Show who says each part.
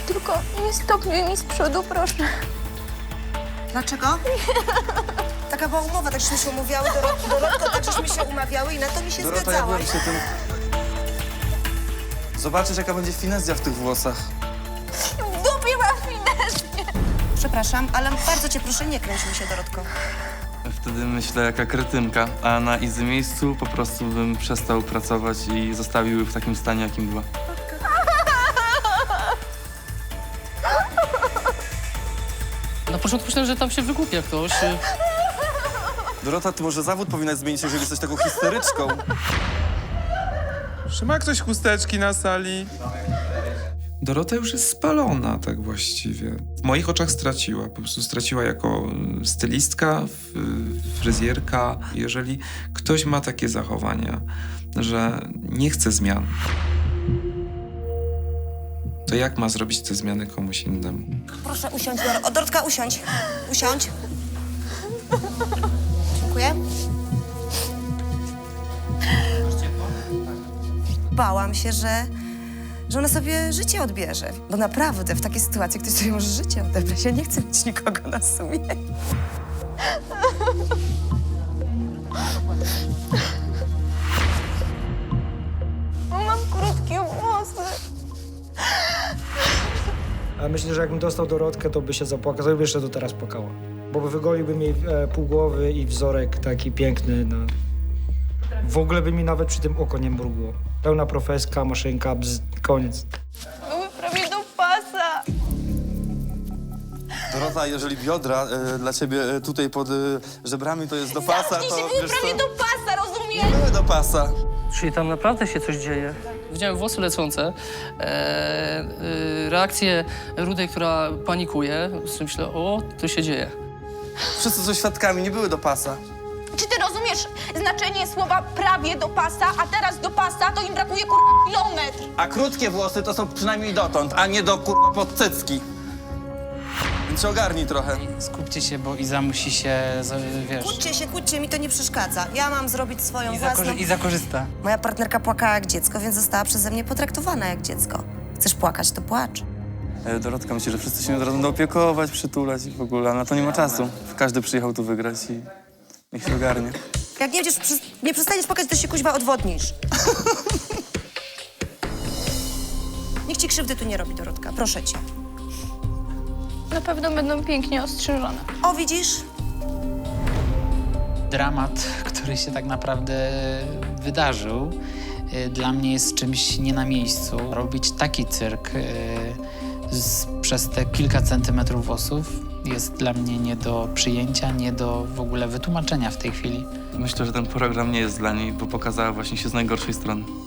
Speaker 1: Tylko nie stopniuj mi z przodu, proszę.
Speaker 2: Dlaczego? Taka była umowa, tak żeśmy się umawiały, Dorotko, tak żeśmy się umawiały i na to mi się
Speaker 3: Dorota, ja
Speaker 2: zgadzałaś.
Speaker 3: byłem przy tym... Zobaczysz, jaka będzie finezja w tych włosach.
Speaker 1: W dupie masz finezję.
Speaker 2: Przepraszam, ale bardzo cię proszę, nie kręć mi się, Dorotko.
Speaker 3: Wtedy myślę, jaka kretynka, a na easy miejscu po prostu bym przestał pracować i zostawił ją w takim stanie, jakim była.
Speaker 4: Na początku myślałem, że tam się wygłupia ktoś.
Speaker 3: Dorota, ty może zawód powinnaś zmienić, jeżeli jesteś taką histeryczką.
Speaker 5: Czy ma ktoś chusteczki na sali?
Speaker 6: Dorota już jest spalona, tak właściwie. W moich oczach straciła. Po prostu straciła jako stylistka, fryzjerka. Jeżeli ktoś ma takie zachowania, że nie chce zmian, to jak ma zrobić te zmiany komuś innemu?
Speaker 2: Proszę usiądź, Dorotka, usiądź. Usiądź. Dziękuję. Bałam się, że ona sobie życie odbierze. Bo naprawdę w takiej sytuacji ktoś sobie może życie odebrać. Ja nie chcę mieć nikogo na sumieniu.
Speaker 1: Mam krótkie włosy.
Speaker 7: Ale myślę, że jakbym dostał Dorotkę, to by się zapłakał, to by jeszcze do teraz płakała. Bo wygoliłby mi pół głowy i wzorek taki piękny. No. W ogóle by mi nawet przy tym oko nie mrugło. Pełna profeska, maszynka, koniec.
Speaker 1: Były prawie do pasa.
Speaker 3: Dorota, jeżeli biodra dla ciebie tutaj pod żebrami to jest do pasa,
Speaker 1: Zamknij się,
Speaker 3: to
Speaker 1: były
Speaker 3: wiesz
Speaker 1: prawie
Speaker 3: co?
Speaker 1: do pasa, rozumiesz?
Speaker 3: Nie były do pasa.
Speaker 4: Czyli tam naprawdę się coś dzieje. Widziałem włosy lecące, reakcję Rudej, która panikuje. Myślę, o, to się dzieje.
Speaker 3: Wszyscy są świadkami, nie były do pasa.
Speaker 1: Czy ty rozumiesz znaczenie słowa prawie do pasa, a teraz do pasa to im brakuje kilometr?
Speaker 3: A krótkie włosy to są przynajmniej dotąd, a nie do pod cycki. Więc się ogarnij trochę.
Speaker 8: Skupcie się, bo Iza musi się, wiesz,
Speaker 2: Kłóćcie, mi to nie przeszkadza. Ja mam zrobić swoją własną...
Speaker 8: Iza korzysta.
Speaker 2: Moja partnerka płakała jak dziecko, więc została przeze mnie potraktowana jak dziecko. Chcesz płakać, to płacz.
Speaker 3: Dorotka myśli, że wszyscy się od razu będą opiekować, przytulać i w ogóle, a na to nie ma czasu. Każdy przyjechał tu wygrać i niech się ogarnie.
Speaker 2: Jak nie przestaniesz płakać, to się kuźwa odwodnisz. Nikt ci krzywdy tu nie robi, Dorotka. Proszę cię.
Speaker 1: Na pewno będą pięknie ostrzyżone.
Speaker 2: O, widzisz?
Speaker 8: Dramat, który się tak naprawdę wydarzył, dla mnie jest czymś nie na miejscu. Robić taki cyrk przez te kilka centymetrów włosów jest dla mnie nie do przyjęcia, nie do w ogóle wytłumaczenia w tej chwili.
Speaker 3: Myślę, że ten program nie jest dla niej, bo pokazała właśnie się z najgorszej strony.